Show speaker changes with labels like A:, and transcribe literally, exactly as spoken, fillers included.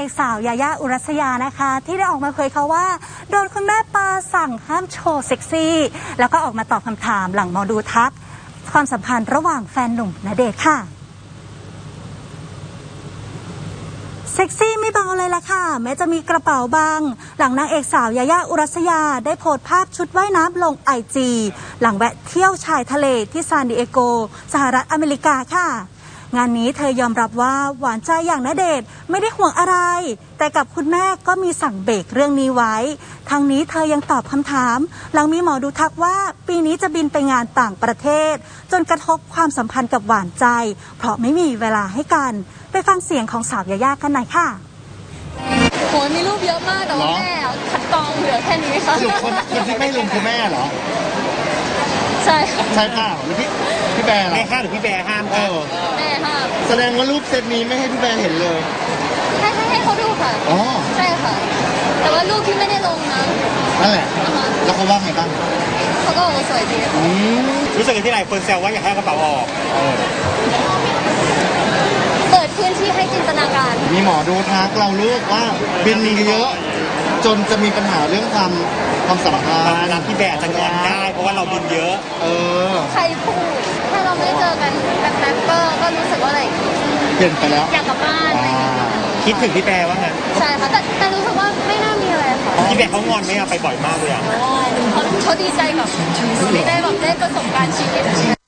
A: อกสาวยายาอุรัสยานะคะที่ได้ออกมาเผยเขาว่าโดนคุณแม่ปาสั่งห้ามโชว์เซ็กซี่แล้วก็ออกมาตอบคำถามหลังหมอดูทักความสัมพันธ์ระหว่างแฟนหนุ่มณเดชน์ค่ะเซ็กซี่ไม่เบาเลยล่ะค่ะแม้จะมีกระเป๋าบางหลังนางเอกสาวยายาอุรัสยาได้โพสต์ภาพชุดว่ายน้ำลงไอจีหลังแวะเที่ยวชายทะเลที่ซานดิเอโกสหรัฐอเมริกาค่ะงานนี้เธอยอมรับว่าหวานใจอย่างณเดชน์ไม่ได้ห่วงอะไรแต่กับคุณแม่ก็มีสั่งเบรกเรื่องนี้ไว้ทั้งนี้เธอยังตอบคำถามหลังมีหมอดูทักว่าปีนี้จะบินไปงานต่างประเทศจนกระทบความสัมพันธ์กับหวานใจเพราะไม่มีเวลาให้กันไปฟังเสียงของสาวยายากันหน่อยค่ะ
B: โหมีรูปเยอะมากแต่ว่าแม่คัดกรองเหลือแค่นี้ค่ะ
C: สรุปคนคนที่ไม่ลงคือแม่เหรอ
B: ใช่
C: ใช่เปล่าหรือพี่พี่แบร์เหรอ
D: แม่ห้ามหรือพี่แบร์ห้าม
C: เออ
B: แม่ห้าม
C: แสดงว่ารูปเซตนี้ไม่ให้พี่แบร์เห็นเลย
B: ให้ให้ให้เขาดูค่ะ
C: อ๋อ
B: ใช่ค่ะแต่ว่ารูปที่ไม่ได้ลงนะ
C: นั่นแหละแล้วเขาว่าไงบ้าง
B: เขาก็บอกว่าสวยดี
C: อืม
D: รู้สึกที่หลายคนแซวว่าอยากให้กระเป๋าออก
B: เปิดพื้นที่ให้จินตนาการ
C: มีหมอดูทักเราลูกว่าบินเยอะจนจะมีปัญหาเรื่องความความสัมพันธ์
D: รับพี่แบร์จะงอนได้เพราะว่าเราบินเยอะ
C: เออ
B: ใครพูดแค่เราไม่เจอกันแป๊บๆก็ก็รู้สึกว่าอะไร
C: เปลี่ยนไปแล้ว
B: อยากกลับบ้าน
D: คิดถึงพี่แบร์ว่าไง
B: ใช่ค่ะแต่แต่รู้สึกว่าไม่น่ามีอะไรค่ะ
D: พี่แบร์เขางอนไหมอะไปบ่อยมากเลยอะ
B: เขาเขาดีใจกับดีใจแบบได้ประสบการณ์ชีวิต